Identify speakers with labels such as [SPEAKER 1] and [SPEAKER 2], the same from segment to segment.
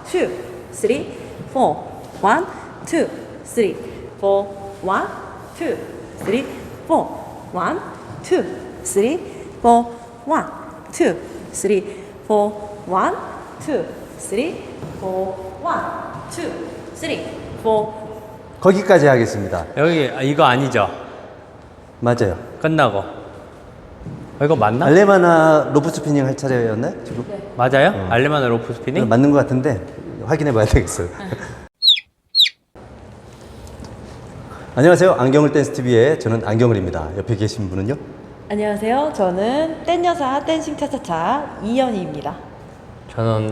[SPEAKER 1] 2, 3, 4. 1, 2, 3, 4. 1, 2, 3, 4. 1, 2, 3, 4. 1, 2, 3, 4. 1, 2, 3, 4. 1, 2, 3, 4.
[SPEAKER 2] 거기까지 하겠습니다.
[SPEAKER 3] 여기 이거 아니죠?
[SPEAKER 2] 맞아요.
[SPEAKER 3] 끝나고. 이거 맞나?
[SPEAKER 2] 알레마나 로프 스피닝 할 차례였나요? 지금?
[SPEAKER 3] 맞아요? 알레마나 로프 스피닝?
[SPEAKER 2] 맞는 것 같은데 확인해 봐야 되겠어요. 안녕하세요. 안경을 댄스 TV의 저는 안경을입니다. 옆에 계신 분은요?
[SPEAKER 1] 안녕하세요. 저는 댄여사 댄싱 차차차 이연희입니다.
[SPEAKER 3] 저는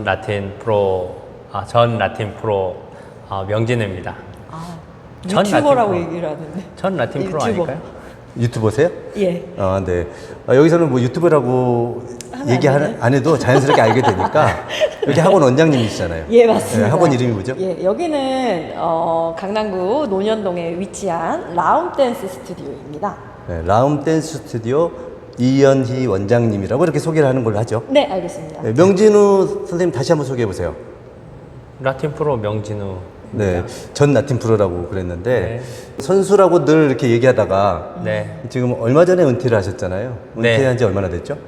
[SPEAKER 3] 전 라틴 프로 명진우입니다. 전
[SPEAKER 1] 유튜버라고
[SPEAKER 3] 라틴 프로.
[SPEAKER 1] 얘기를 하는데.
[SPEAKER 3] 전 라틴 프로
[SPEAKER 1] 유튜버.
[SPEAKER 3] 아닐까요?
[SPEAKER 2] 유튜버세요?
[SPEAKER 1] 예.
[SPEAKER 2] 아, 네. 여기서는 뭐 유튜브라고 얘기 안 해도 자연스럽게 알게 되니까 여기 학원 원장님이시잖아요.
[SPEAKER 1] 예, 맞습니다.
[SPEAKER 2] 네, 학원 이름이 뭐죠?
[SPEAKER 1] 예, 여기는 강남구 논현동에 위치한 라움 댄스 스튜디오입니다.
[SPEAKER 2] 네, 라움 댄스 스튜디오 이연희 원장님이라고 이렇게 소개를 하는 걸로 하죠.
[SPEAKER 1] 네, 알겠습니다.
[SPEAKER 2] 네, 명진우 선생님 다시 한번 소개해 보세요.
[SPEAKER 3] 라틴 프로 명진우.
[SPEAKER 2] 네, 전 라틴 프로라고 그랬는데
[SPEAKER 3] 네.
[SPEAKER 2] 선수라고 늘 이렇게 얘기하다가
[SPEAKER 3] 네.
[SPEAKER 2] 지금 얼마 전에 은퇴를 하셨잖아요.
[SPEAKER 3] 네.
[SPEAKER 2] 은퇴한 지 얼마나 됐죠?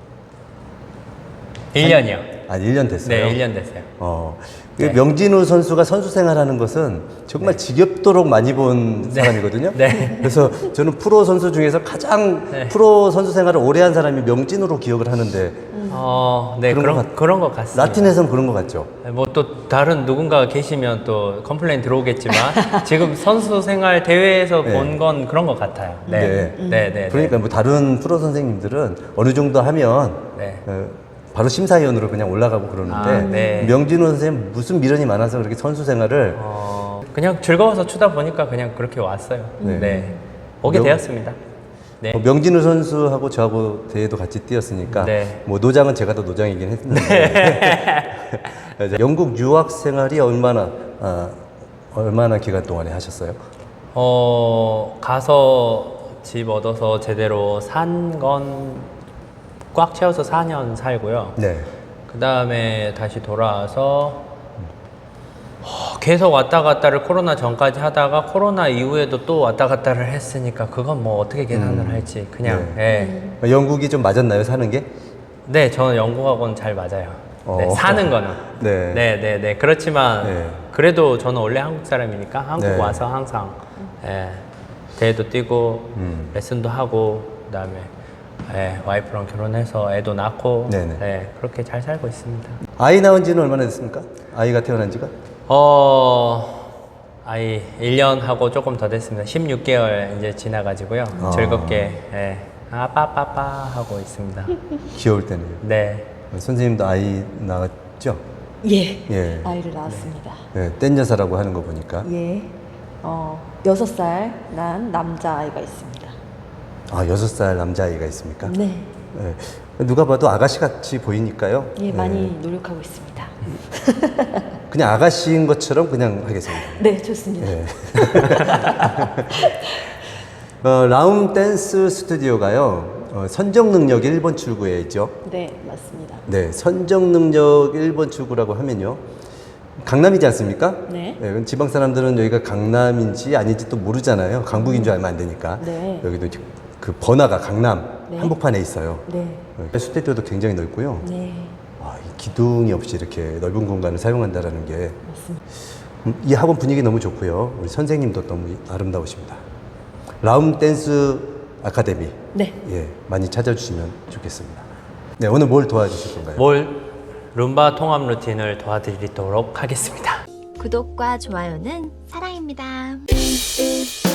[SPEAKER 3] 1년이요.
[SPEAKER 2] 아, 1년 됐어요.
[SPEAKER 3] 네, 1년 됐어요.
[SPEAKER 2] 그
[SPEAKER 3] 네.
[SPEAKER 2] 명진우 선수가 선수 생활하는 것은 정말 지겹도록 많이 본 사람이거든요.
[SPEAKER 3] 네.
[SPEAKER 2] 그래서 저는 프로 선수 중에서 가장
[SPEAKER 3] 네.
[SPEAKER 2] 프로 선수 생활을 오래 한 사람이 명진우로 기억을 하는데
[SPEAKER 3] 네,
[SPEAKER 2] 그런
[SPEAKER 3] 그런
[SPEAKER 2] 것
[SPEAKER 3] 것 같습니다.
[SPEAKER 2] 라틴에서는 그런 것 같죠.
[SPEAKER 3] 뭐 또 다른 누군가가 계시면 또 컴플레인 들어오겠지만 지금 선수 생활 대회에서
[SPEAKER 2] 네.
[SPEAKER 3] 본 건 그런 것 같아요. 네. 네, 네.
[SPEAKER 2] 그러니까 뭐 다른 프로 선생님들은 어느 정도 하면
[SPEAKER 3] 네.
[SPEAKER 2] 바로 심사위원으로 그냥 올라가고 그러는데
[SPEAKER 3] 아, 네.
[SPEAKER 2] 명진우 선생님 무슨 미련이 많아서 그렇게 선수 생활을
[SPEAKER 3] 그냥 즐거워서 추다 보니까 그냥 그렇게 왔어요.
[SPEAKER 2] 네.
[SPEAKER 3] 네. 오게 되었습니다. 네.
[SPEAKER 2] 명진우 선수하고 저하고 대회도 같이 뛰었으니까
[SPEAKER 3] 네.
[SPEAKER 2] 뭐 노장은 제가 더 노장이긴 했는데 이제 영국 유학 생활이 얼마나 기간 동안에 하셨어요?
[SPEAKER 3] 가서 집 얻어서 제대로 산 건 꽉 채워서 4년 살고요.
[SPEAKER 2] 네.
[SPEAKER 3] 그 다음에 다시 돌아와서 계속 왔다 갔다를 코로나 전까지 하다가 코로나 이후에도 또 왔다 갔다를 했으니까 그건 뭐 어떻게 계산을 할지 그냥
[SPEAKER 2] 영국이 좀 맞았나요, 사는 게?
[SPEAKER 3] 네, 저는 영국하고는 잘 맞아요. 네, 사는 거는
[SPEAKER 2] 네.
[SPEAKER 3] 네. 그렇지만
[SPEAKER 2] 네.
[SPEAKER 3] 그래도 저는 원래 한국 사람이니까 한국
[SPEAKER 2] 네.
[SPEAKER 3] 와서 항상 대회도 뛰고 레슨도 하고 그다음에 와이프랑 결혼해서 애도 낳고
[SPEAKER 2] 네네.
[SPEAKER 3] 그렇게 잘 살고 있습니다.
[SPEAKER 2] 아이 낳은 지는 얼마나 됐습니까? 아이가 태어난 지가?
[SPEAKER 3] 아이 1년하고 조금 더 됐습니다. 16개월 이제 지나가지고요. 즐겁게 빠빠빠 하고 있습니다.
[SPEAKER 2] 귀여울 때네요.
[SPEAKER 3] 네.
[SPEAKER 2] 선생님도 아이 낳았죠?
[SPEAKER 1] 예.
[SPEAKER 2] 예.
[SPEAKER 1] 아이를 낳았습니다.
[SPEAKER 2] 네, 댄 여사라고 하는 거 보니까.
[SPEAKER 1] 예. 6살 난 남자아이가 있습니다.
[SPEAKER 2] 아, 6살 남자아이가 있습니까?
[SPEAKER 1] 네.
[SPEAKER 2] 네. 누가 봐도 아가씨 같이 보이니까요.
[SPEAKER 1] 예, 많이 노력하고 있습니다.
[SPEAKER 2] 그냥 아가씨인 것처럼 그냥 하겠습니다.
[SPEAKER 1] 네, 좋습니다.
[SPEAKER 2] 네. 라움 댄스 스튜디오가요, 선정 능력 1번 출구에 있죠.
[SPEAKER 1] 네, 맞습니다.
[SPEAKER 2] 네, 선정 능력 1번 출구라고 하면요. 강남이지 않습니까?
[SPEAKER 1] 네.
[SPEAKER 2] 그럼 지방 사람들은 여기가 강남인지 아닌지 또 모르잖아요. 강북인 줄 알면 안 되니까.
[SPEAKER 1] 네.
[SPEAKER 2] 여기도 이제 그 번화가 강남
[SPEAKER 1] 네.
[SPEAKER 2] 한복판에 있어요.
[SPEAKER 1] 네.
[SPEAKER 2] 스튜디오도 굉장히 넓고요.
[SPEAKER 1] 네.
[SPEAKER 2] 이 기둥이 없이 이렇게 넓은 공간을 사용한다는 게
[SPEAKER 1] 맞습니다.
[SPEAKER 2] 이 학원 분위기 너무 좋고요. 우리 선생님도 너무 아름다우십니다. 라움 댄스 아카데미.
[SPEAKER 1] 네.
[SPEAKER 2] 예, 많이 찾아주시면 좋겠습니다. 네, 오늘 뭘 도와주실 건가요?
[SPEAKER 3] 룸바 통합 루틴을 도와드리도록 하겠습니다.
[SPEAKER 4] 구독과 좋아요는 사랑입니다.